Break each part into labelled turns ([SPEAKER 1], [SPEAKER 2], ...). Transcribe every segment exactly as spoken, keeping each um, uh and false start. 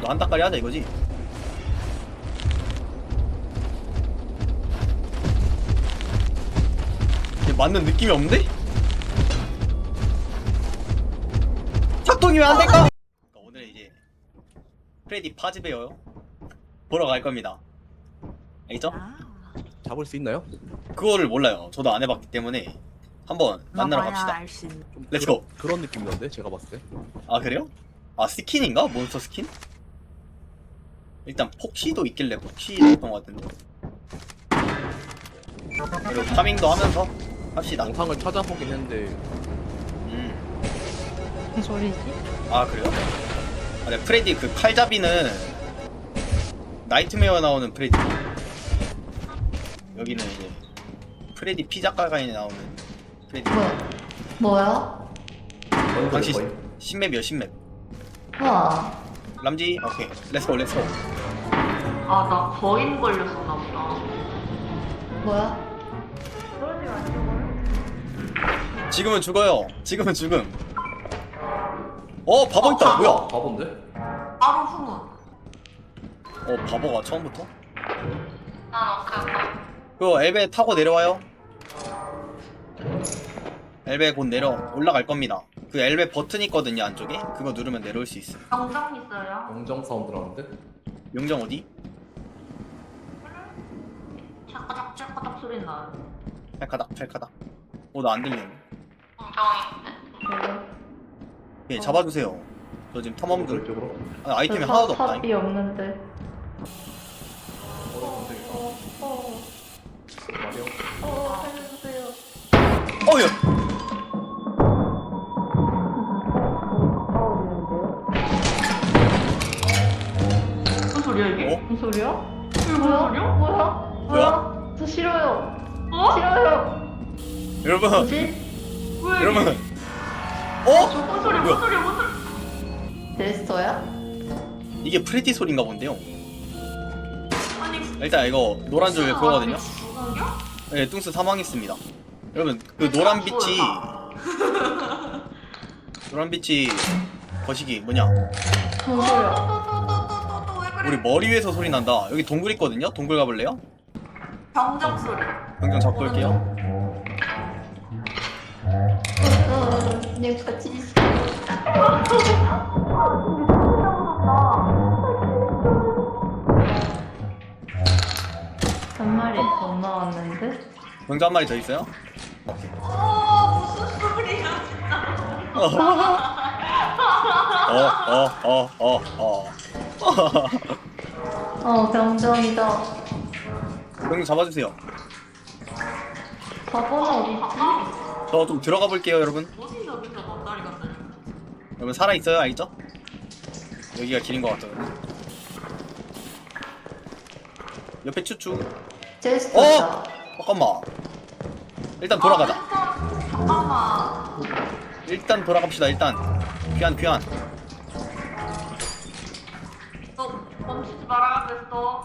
[SPEAKER 1] 너 한따까리 하자 이거지? 이게 맞는 느낌이 없는데? 작동이면 안 될까? 오늘 이제 프레디 파즈베어 보러 갈 겁니다. 알겠죠?
[SPEAKER 2] 잡을 수 있나요?
[SPEAKER 1] 그거를 몰라요. 저도 안 해봤기 때문에 한번 만나러 갑시다.
[SPEAKER 2] 좀
[SPEAKER 1] 렛츠고.
[SPEAKER 2] 그런, 그런 느낌이던데 제가 봤을 때.
[SPEAKER 1] 아 그래요? 아 스킨인가? 몬스터 스킨? 일단 폭시도 있길래 폭시였던 것 같은데. 그리고 파밍도 하면서 합시다.
[SPEAKER 2] 영상을 찾아보긴 했는데
[SPEAKER 1] 음.
[SPEAKER 3] 무슨 소리지?
[SPEAKER 1] 아 그래요? 아, 네, 프레디 그 칼잡이는 나이트메어 나오는 프레디. 여기는 이제 프레디 피자가가에 나오는 프레디.
[SPEAKER 3] 뭐야? 뭐야?
[SPEAKER 1] 당시 신맵이요 신맵.
[SPEAKER 3] 우와.
[SPEAKER 1] 람지 오케이 렛츠고 렛츠고.
[SPEAKER 4] 아, 나 거인 걸렸었나 보다.
[SPEAKER 3] 뭐야?
[SPEAKER 1] 지금은 죽어요. 지금은 죽음. 어 바보 있다. 뭐야?
[SPEAKER 2] 바본데?
[SPEAKER 4] 바로 후문.
[SPEAKER 1] 어 바보가 처음부터?
[SPEAKER 4] 난 오케이, 오케이.
[SPEAKER 1] 그거 엘베 타고 내려와요. 엘베 곧 내려 올라갈 겁니다. 그 엘베 버튼 있거든요 안쪽에. 그거 누르면 내려올 수 있어.
[SPEAKER 4] 정정 있어요?
[SPEAKER 2] 영정 사운드 나는데?
[SPEAKER 1] 용정 어디?
[SPEAKER 4] 찰까닥 찰까닥 소리 나요.
[SPEAKER 1] 찰카닥 찰카닥. 어 나 안 들리네.
[SPEAKER 4] 정정인데.
[SPEAKER 1] 예 잡아주세요. 저 지금 탐험들
[SPEAKER 2] 이쪽으로.
[SPEAKER 1] 아, 아이템이 하나도 없다.
[SPEAKER 3] 탑이 없는데.
[SPEAKER 2] 어, 근데
[SPEAKER 3] 어, 어,
[SPEAKER 2] 말이요.
[SPEAKER 3] 어, 살려주세요.
[SPEAKER 1] 어휴.
[SPEAKER 4] 무슨 소리야 이게?
[SPEAKER 1] 어?
[SPEAKER 3] 무슨 소리야?
[SPEAKER 4] 이게 무슨
[SPEAKER 3] 뭐야?
[SPEAKER 4] 소리야?
[SPEAKER 3] 뭐야?
[SPEAKER 1] 뭐야?
[SPEAKER 3] 저 싫어요.
[SPEAKER 4] 어?
[SPEAKER 3] 싫어요.
[SPEAKER 1] 여러분
[SPEAKER 3] 뭐지?
[SPEAKER 4] 왜?
[SPEAKER 1] 여러분. 어?
[SPEAKER 4] 무슨 소리야?
[SPEAKER 1] 뭐야?
[SPEAKER 4] 무슨 소리야? 무슨?
[SPEAKER 3] 데스터야?
[SPEAKER 1] 이게 프레디 소리인가 본데요.
[SPEAKER 4] 아니.
[SPEAKER 1] 일단 이거 노란 줄 그거거든요.
[SPEAKER 4] 죽은겨?
[SPEAKER 1] 네 뚱스 사망했습니다. 여러분 그 노란 빛이 노란 빛이 거시기 뭐냐?
[SPEAKER 3] 무슨 소리야?
[SPEAKER 4] 또또또또또또왜 그래?
[SPEAKER 1] 우리 머리 위에서 소리 난다. 여기 동굴 있거든요. 동굴 가볼래요?
[SPEAKER 4] 병정 소리.
[SPEAKER 1] 병정 잡고 올게요.
[SPEAKER 3] 어, 내가 같이 있어. 한 마리 더 나왔는데?
[SPEAKER 1] 병정 한 마리 더 있어요?
[SPEAKER 4] 어 무슨 소리야 진짜.
[SPEAKER 1] 어, 어, 어, 어, 어.
[SPEAKER 3] 어, 병정이다.
[SPEAKER 1] 병정 잡아주세요.
[SPEAKER 3] 바보는 어디 있지?
[SPEAKER 1] 저 좀 들어가 볼게요, 여러분.
[SPEAKER 4] 어디 저기서 덧다리 같은.
[SPEAKER 1] 여러분 살아 있어요, 알죠? 여기가 길인 것 같거든요. 옆에 추추.
[SPEAKER 3] 제스터다.
[SPEAKER 1] 어? 잠깐만. 일단 돌아가자.
[SPEAKER 4] 아, 잠깐만.
[SPEAKER 1] 일단 돌아갑시다. 일단 귀한 귀한.
[SPEAKER 4] 너 멈추지 말아야 됐어.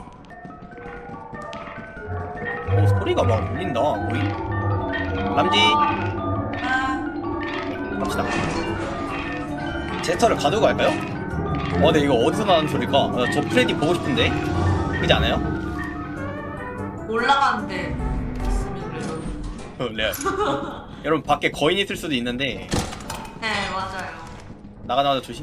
[SPEAKER 1] 오 소리가 막 울린다. 뭐이? 람지 갑시다. 제스터를 가두고 갈까요? 어, 근데 이거 어디서 나는 소리일까? 아, 저 프레디 보고 싶은데. 그렇지 않아요?
[SPEAKER 4] 올라가는데 있으면 그래도.
[SPEAKER 1] 어, 레알. 여러분 밖에 거인 있을 수도 있는데
[SPEAKER 4] 네 맞아요.
[SPEAKER 1] 나가자마자 조심.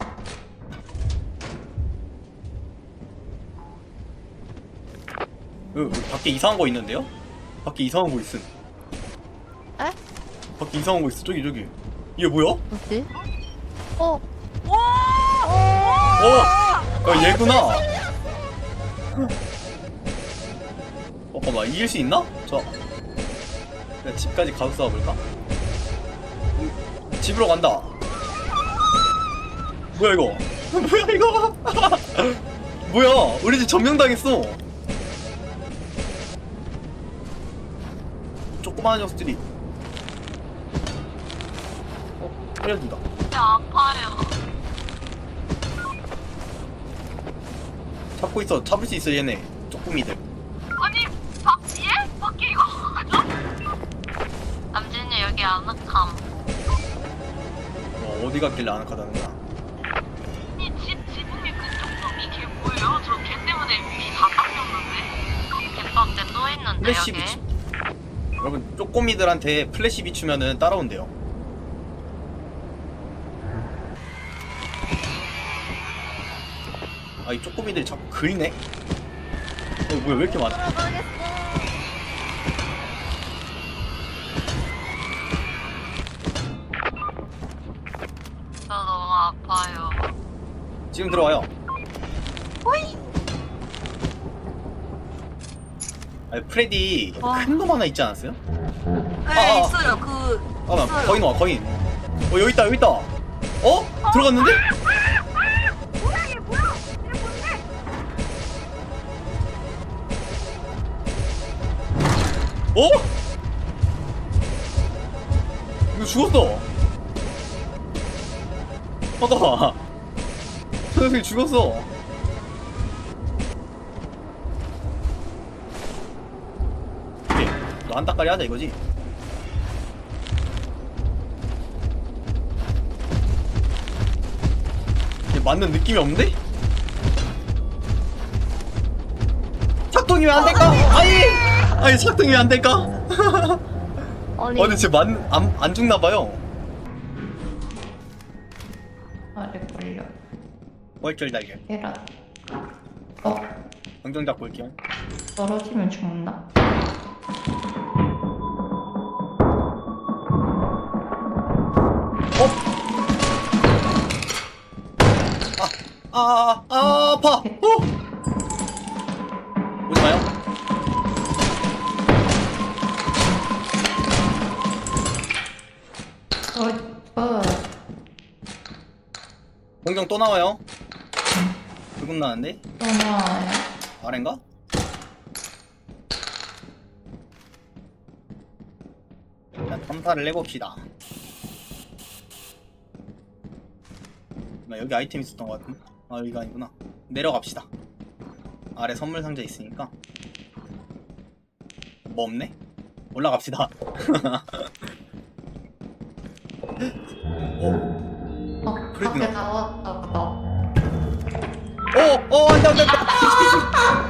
[SPEAKER 1] 그, 그 밖에 이상한 거 있는데요? 밖에 이상한 거 있음.
[SPEAKER 3] 에?
[SPEAKER 1] 밖에 이상한 거 있어. 저기 저기. 이게 뭐야?
[SPEAKER 3] 뭐지? 어,
[SPEAKER 1] 어! 어 얘구나. 어, 잠깐만 이길 수 있나? 저 내가 집까지 가서 싸워볼까? 집으로 간다. 뭐야 이거? 뭐야 이거? 뭐야? 우리 집 점령당했어. 조그마한 녀석들이. 어, 살려준다.
[SPEAKER 4] 아파요.
[SPEAKER 1] 잡고 있어. 잡을 수 있어 얘네. 쪼꾸미들.
[SPEAKER 4] 아니 밖 예? 밖에 이거. 남진이 여기 아늑함.
[SPEAKER 1] 어, 어디 갔길래 아늑하다는 거야?
[SPEAKER 4] 이집 지붕이 그쪽도
[SPEAKER 1] 플래시
[SPEAKER 3] 오케이,
[SPEAKER 1] 비추. 여러분 쪼꼬미들한테 플래시 비추면은 따라온대요. 아 이 쪼꼬미들이 자꾸 긁네. 어 뭐야 왜 이렇게 많아?
[SPEAKER 3] 저 너무 아파요.
[SPEAKER 1] 지금 들어와요.
[SPEAKER 3] 호이.
[SPEAKER 1] 아니 프레디
[SPEAKER 3] 어.
[SPEAKER 1] 큰 놈 하나 있지 않았어요?
[SPEAKER 3] 네,
[SPEAKER 1] 아, 아.
[SPEAKER 3] 있어요. 그
[SPEAKER 1] 아, 나
[SPEAKER 3] 있어요.
[SPEAKER 1] 거인 와 거인. 어 여기 있다 여기 있다. 어? 들어갔는데? 어? 이거 죽었어. 잠깐만. 저 녀석이 죽었어. 오케이. 너 한따까리 하자 이거지? 이게 맞는 느낌이 없는데? 작동이 왜 안 될까? 아니! 아니 작동이 왜 안 될까?
[SPEAKER 3] 아니,
[SPEAKER 1] 어 근데 쟤안 안, 안 죽나봐요.
[SPEAKER 3] 아래 걸려.
[SPEAKER 1] 월절 달걀.
[SPEAKER 3] 계란. 어,
[SPEAKER 1] 방정 잡고 올게요.
[SPEAKER 3] 떨어지면 죽나?
[SPEAKER 1] 아, 아, 아, 아파. 어. 오지 마요.
[SPEAKER 3] 어, 어.
[SPEAKER 1] 공정 또 나와요. 조금 나는데?
[SPEAKER 3] 또 나와요.
[SPEAKER 1] 아래인가? 일단 탐사를 해봅시다. 나 여기 아이템 있었던 것 같은데? 아 여기가 아니구나. 내려갑시다. 아래 선물 상자 있으니까. 뭐 없네? 올라갑시다. 어?
[SPEAKER 3] 어,
[SPEAKER 1] 프레디
[SPEAKER 3] 밖에
[SPEAKER 1] 나-
[SPEAKER 3] 나왔다 보다.
[SPEAKER 1] 어! 어! 안돼 안돼 안돼!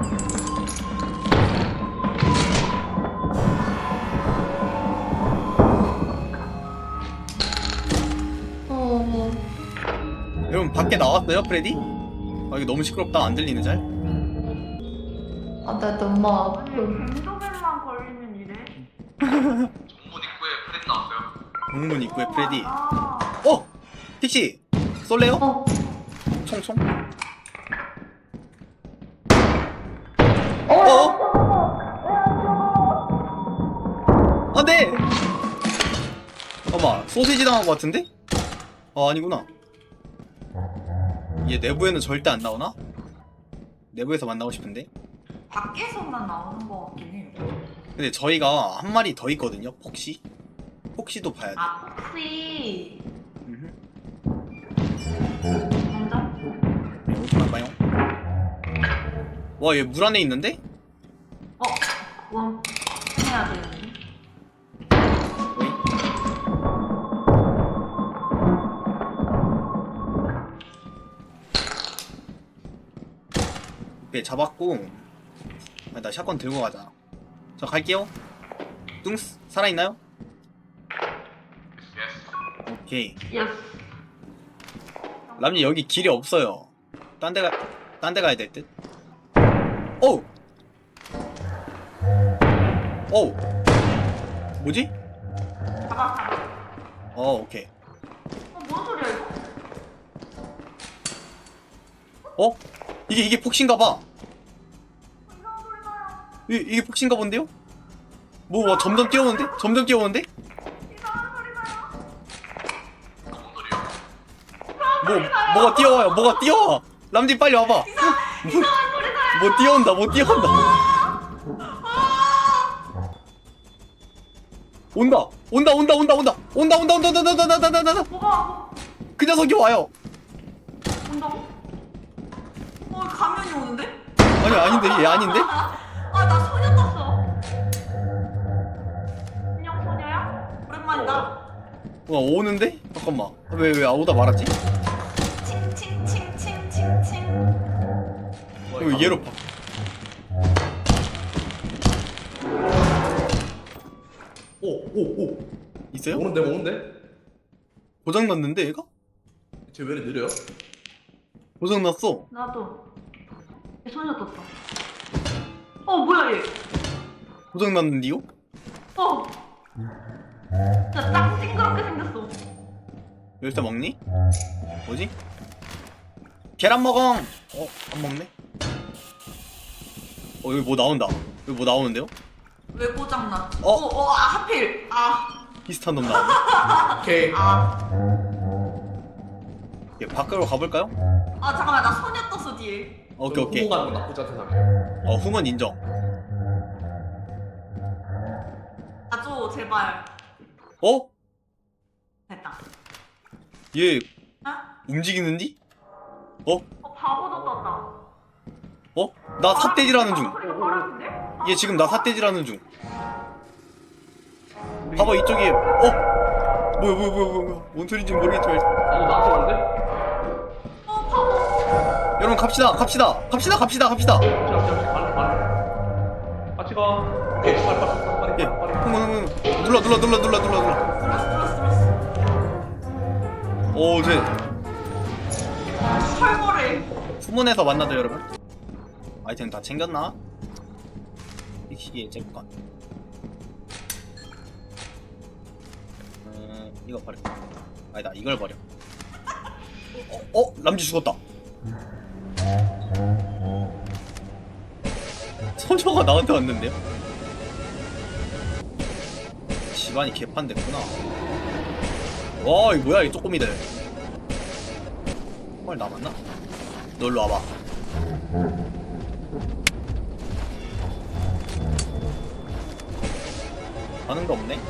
[SPEAKER 3] 어,
[SPEAKER 1] 여러분 밖에 나왔어요 프레디? 아 이거 너무 시끄럽다. 안 들리네 잘?
[SPEAKER 3] 아, 나 너무 아파.
[SPEAKER 4] 갱도벨만 걸리면 이래?
[SPEAKER 1] 공문 입구에 프레디.
[SPEAKER 4] 아,
[SPEAKER 1] 어! 픽시! 쏠래요?
[SPEAKER 3] 어,
[SPEAKER 1] 총총?
[SPEAKER 3] 어,
[SPEAKER 1] 어? 안돼! 잠깐만 소시지 당한 것 같은데? 아 아니구나. 얘 내부에는 절대 안 나오나? 내부에서 만나고 싶은데?
[SPEAKER 4] 밖에서만 나오는 거 같긴 해요.
[SPEAKER 1] 근데 저희가 한 마리 더 있거든요. 폭시? 폭시도 봐야 돼.
[SPEAKER 4] 아, 혹시
[SPEAKER 1] 음흠.
[SPEAKER 4] 공정?
[SPEAKER 1] 네, 오지 마봐요. 와 얘 물 안에 있는데?
[SPEAKER 4] 어, 원 해야 되는데.
[SPEAKER 1] 어이? 오케이 잡았고. 아, 나 샷건 들고 가자. 저 갈게요. 뚱스 살아있나요? 오케이.
[SPEAKER 4] 예스.
[SPEAKER 1] 람님 여기 길이 없어요. 딴 데 가, 딴 데 가야 될 듯. 어우! 어우! 뭐지?
[SPEAKER 4] 잡아, 잡아.
[SPEAKER 1] 어, 오케이.
[SPEAKER 4] 어, 뭔 소리야 이거?
[SPEAKER 1] 어? 이게, 이게 폭신가봐.
[SPEAKER 4] 이상한 소리 나요.
[SPEAKER 1] 이, 이게 폭신가 본데요? 뭐, 뭐, 점점 뛰어오는데? 점점 뛰어오는데?
[SPEAKER 4] 이상한 소리 나요.
[SPEAKER 1] 뭐, 뭐가 뛰어와요, 뭐가 뛰어와! 람디 빨리 와봐! 뭐,
[SPEAKER 4] 이상한 소리 나요.
[SPEAKER 1] 뭐 뛰어온다, 뭐 뛰어온다! 온다! 온다, 온다, 온다, 온다! 온다, 온다, 온다, 온다, 온다, 온다, 온다, 온다, 온다!
[SPEAKER 4] 뭐가
[SPEAKER 1] 그 녀석이 와요!
[SPEAKER 4] 온다고? 어, 가면이 오는데?
[SPEAKER 1] 아니, 아닌데, 얘 아닌데?
[SPEAKER 4] 아, 나 소녀 떴어. 안녕, 소녀야? 오랜만이다.
[SPEAKER 1] 와, 오는데? 잠깐만. 왜, 왜, 아, 오다 말았지?
[SPEAKER 4] 칭칭칭칭칭칭.
[SPEAKER 1] 이거 얘로 봐.
[SPEAKER 2] 오오
[SPEAKER 1] 있어요?
[SPEAKER 2] 오는데 오는데?
[SPEAKER 1] 고장 났는데 얘가?
[SPEAKER 2] 쟤 왜 이렇게 느려요?
[SPEAKER 1] 고장 났어.
[SPEAKER 4] 나도. 얘 소녀 떴다. 어 뭐야 얘?
[SPEAKER 1] 고장 났는데요?
[SPEAKER 4] 어. 나딱 징그럽게 생겼어.
[SPEAKER 1] 열쇠 먹니? 뭐지? 계란 먹엉! 어? 안 먹네? 어 여기 뭐 나온다. 여기 뭐 나오는데요?
[SPEAKER 4] 왜 고장나?
[SPEAKER 1] 어?
[SPEAKER 4] 어, 어, 아, 하필. 아,
[SPEAKER 1] 비슷한 놈 나왔네.
[SPEAKER 2] 오케이.
[SPEAKER 4] 아,
[SPEAKER 1] 예, 밖으로 가볼까요?
[SPEAKER 4] 아, 잠깐만, 나 소녀 떴어, 뒤에.
[SPEAKER 1] 오케이 오케이.
[SPEAKER 2] 후보 가는 건 나쁘지 않다 생각해요.
[SPEAKER 1] 어 후문 인정.
[SPEAKER 4] 가줘, 제발.
[SPEAKER 1] 어?
[SPEAKER 4] 됐다.
[SPEAKER 1] 얘
[SPEAKER 4] 어?
[SPEAKER 1] 움직이는디? 어?
[SPEAKER 4] 어, 바보도 떴다.
[SPEAKER 1] 어? 나 삿대질하는 중.
[SPEAKER 4] 소리가 바람인데?
[SPEAKER 1] 얘 지금 나 삿대질하는 중. 봐봐 이쪽에. 어? 뭐야 뭐야 뭐야 뭐야 뭔 소리인지 모르겠지만
[SPEAKER 2] 나도 나한테 오는데?
[SPEAKER 4] 어, 바보.
[SPEAKER 1] 여러분 갑시다 갑시다 갑시다 갑시다 갑시다.
[SPEAKER 2] 잠시 잠시 빨리 빨리. 같이 가. 오케이 빨리 빨리 빨리 빨리
[SPEAKER 1] 예.
[SPEAKER 2] 빨리.
[SPEAKER 1] 흥분 흥분. 눌러 눌러 눌러 눌러 눌러 눌러.
[SPEAKER 4] 들었어, 들었어, 들었어.
[SPEAKER 1] 오 쟤.
[SPEAKER 4] 철거래.
[SPEAKER 1] 후문에서 만나죠 여러분. 아이템 다 챙겼나? 이 시기에 잭건. 음 이거 버려. 아니다 이걸 버려. 어? 어? 람쥐 죽었다. 소녀가 나한테 왔는데요? 집안이 개판됐구나. 와 이거 뭐야 이 쪼꼬미들. 헐 남았나? 너 일로 와봐. 가는 거 없네?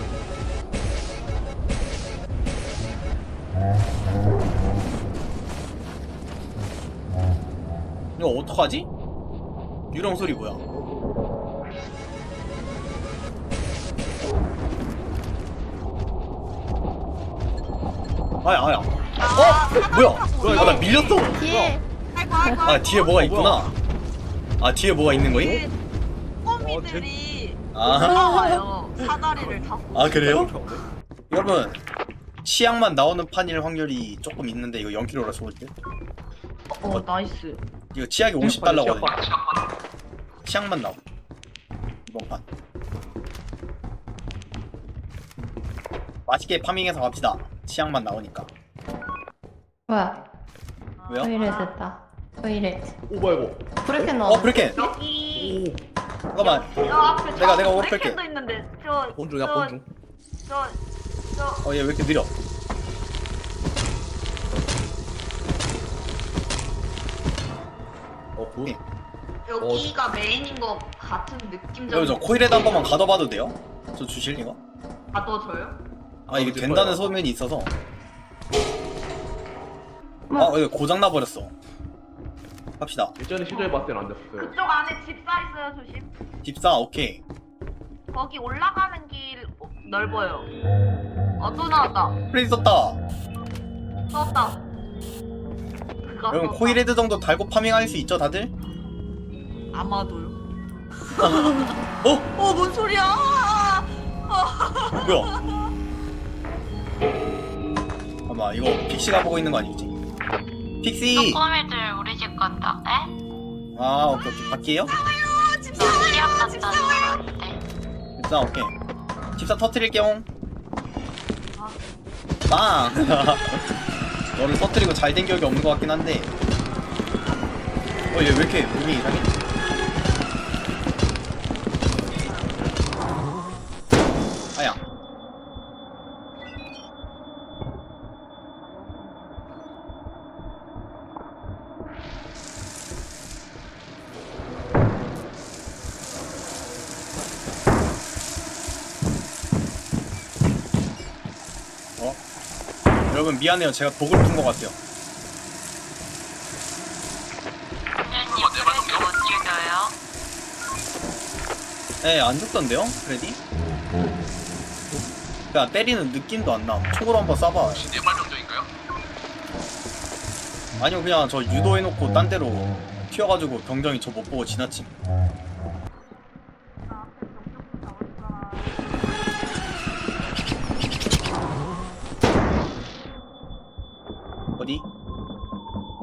[SPEAKER 1] 이거 어떡하지? 유령 소리 뭐야? 아야 아야. 어? 뭐야? 아, 나 밀렸어.
[SPEAKER 3] 뒤에
[SPEAKER 4] 아이고, 아이고.
[SPEAKER 1] 아 뒤에 뭐가 있구나. 아 뒤에 뭐가 있는 거임?
[SPEAKER 4] 꼬미들이
[SPEAKER 1] 아,
[SPEAKER 4] 올라와요. 사다리를 타고.
[SPEAKER 1] 아 그래요? 여러분 치약만 나오는 판일 확률이 조금 있는데 이거 영 킬로라 좋을 때.
[SPEAKER 4] 어, 나이스.
[SPEAKER 1] 이거 치약이 오십 달러거든요. 치약만 나오. 이번 판. 맛있게 파밍해서 갑시다. 치약만 나오니까.
[SPEAKER 3] 뭐야?
[SPEAKER 1] 왜요?
[SPEAKER 3] 토이렛 됐다. 토이렛.
[SPEAKER 2] 오 뭐야 이거?
[SPEAKER 3] 브레켄
[SPEAKER 1] 어
[SPEAKER 3] 넣어.
[SPEAKER 1] 브레켄.
[SPEAKER 4] 여기.
[SPEAKER 1] 잠깐만.
[SPEAKER 4] 저 앞에
[SPEAKER 1] 내가-
[SPEAKER 4] 저
[SPEAKER 1] 내가 오를
[SPEAKER 4] 브레이크도 있는데 저.
[SPEAKER 2] 본중이야
[SPEAKER 4] 저-
[SPEAKER 2] 본중.
[SPEAKER 4] 저. 저.
[SPEAKER 1] 어 얘 왜 이렇게 느려?
[SPEAKER 2] 어 보.
[SPEAKER 1] 오케이.
[SPEAKER 4] 여기가 메인인 것 같은 느낌적.
[SPEAKER 1] 여러분 저 코일에도 한 번만 가둬봐도 돼요? 저 주실 이거?
[SPEAKER 4] 가둬줘요?
[SPEAKER 1] 아 이게
[SPEAKER 2] 가둬줄
[SPEAKER 1] 된다는
[SPEAKER 2] 거야.
[SPEAKER 1] 소문이 있어서.
[SPEAKER 3] 뭐?
[SPEAKER 1] 아 이거 고장 나 버렸어. 갑시다.
[SPEAKER 2] 예전에 시도해봤을 때는 안 됐었어요.
[SPEAKER 4] 그쪽 안에 집사 있어요, 조심.
[SPEAKER 1] 집사 오케이.
[SPEAKER 4] 거기 올라가는 길 어, 넓어요. 어, 또 나왔다.
[SPEAKER 1] 프레이 썼다.
[SPEAKER 4] 썼다. 그거
[SPEAKER 1] 여러분
[SPEAKER 4] 썼다.
[SPEAKER 1] 코일헤드 정도 달고 파밍할 수 있죠 다들?
[SPEAKER 4] 아마도요.
[SPEAKER 1] 어?
[SPEAKER 4] 어, 뭔 소리야?
[SPEAKER 1] 뭐야? 아마 이거 픽시가 보고 있는 거 아니지? 픽시!
[SPEAKER 5] 꼬미들 우리 집 간다. 에?
[SPEAKER 1] 아 오케이 오케이 바퀴에요?
[SPEAKER 4] 집사.
[SPEAKER 5] 너 시합 갔다는 거 어때?
[SPEAKER 1] 집사 오케이. 집사 터트릴게요. 빵! 너를 터트리고 잘 된 기억이 없는 것 같긴 한데. 어 얘 왜 이렇게 몸이 이상해? 아야. 어? 여러분 미안해요. 제가 독을 푼 것 같아요.
[SPEAKER 5] 언니 프레디 못 죽여요?
[SPEAKER 1] 네, 안 죽던데요? 프레디? 그냥 때리는 느낌도 안 나. 총으로 한번 쏴봐.
[SPEAKER 2] 내발명적인가요?
[SPEAKER 1] 아니요, 그냥 저 유도해놓고 딴 데로 튀어가지고 병정이 저 못 보고 지나침.